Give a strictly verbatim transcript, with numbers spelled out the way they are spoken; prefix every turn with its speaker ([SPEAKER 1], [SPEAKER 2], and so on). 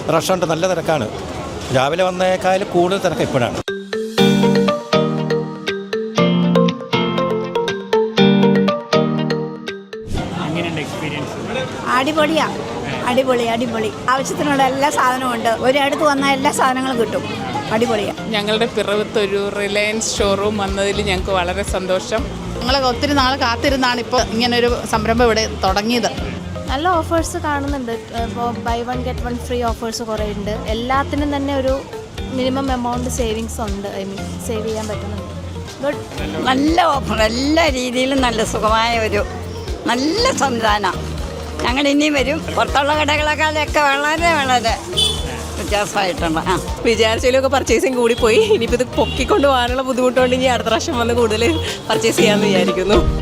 [SPEAKER 1] റഷുണ്ട്, നല്ല തിരക്കാണ്. രാവിലെ വന്നേക്കാളും കൂടുതൽ തിരക്ക് ഇപ്പോഴാണ്.
[SPEAKER 2] അടിപൊളിയാ, അടിപൊളി അടിപൊളി ആവശ്യത്തിനുള്ള എല്ലാ സാധനവും ഉണ്ട്. ഒരിടത്ത് വന്നാൽ എല്ലാ സാധനങ്ങളും കിട്ടും. അടിപൊളിയാണ്.
[SPEAKER 3] ഞങ്ങളുടെ പിറവത്തൊരു റിലയൻസ് ഷോറൂം വന്നതിൽ ഞങ്ങൾക്ക് വളരെ സന്തോഷം.
[SPEAKER 4] ഞങ്ങൾ ഒത്തിരി നാൾ കാത്തിരുന്നാണ് ഇപ്പോൾ ഇങ്ങനൊരു സംരംഭം ഇവിടെ തുടങ്ങിയത്.
[SPEAKER 5] നല്ല ഓഫേഴ്സ് കാണുന്നുണ്ട്. ഇപ്പോൾ buy one get one free offers കുറേ ഉണ്ട്. എല്ലാത്തിനും തന്നെ ഒരു മിനിമം എമൗണ്ട് സേവിങ്സ് ഉണ്ട്. ഐ മീൻ സേവ് ചെയ്യാൻ പറ്റുന്നുണ്ട്. ഗുഡ്,
[SPEAKER 2] നല്ല ഓഫർ, എല്ലാ രീതിയിലും നല്ല സുഖമായ ഒരു നല്ല സംവിധാനം. ഞങ്ങൾ ഇനിയും വരും. പുറത്തുള്ള കടകളെക്കാളൊക്കെ വളരെ വളരെ വ്യത്യാസമായിട്ടുണ്ട്. ആ
[SPEAKER 6] വിചാരിച്ചതിലൊക്കെ പർച്ചേസിങ് കൂടിപ്പോയി. ഇനിയിപ്പോൾ ഇത് പൊക്കിക്കൊണ്ട് പോകാനുള്ള ബുദ്ധിമുട്ടുകൊണ്ട് ഇനി അടുത്ത പ്രാവശ്യം വന്ന് കൂടുതൽ പർച്ചേസ് ചെയ്യാമെന്ന് വിചാരിക്കുന്നു.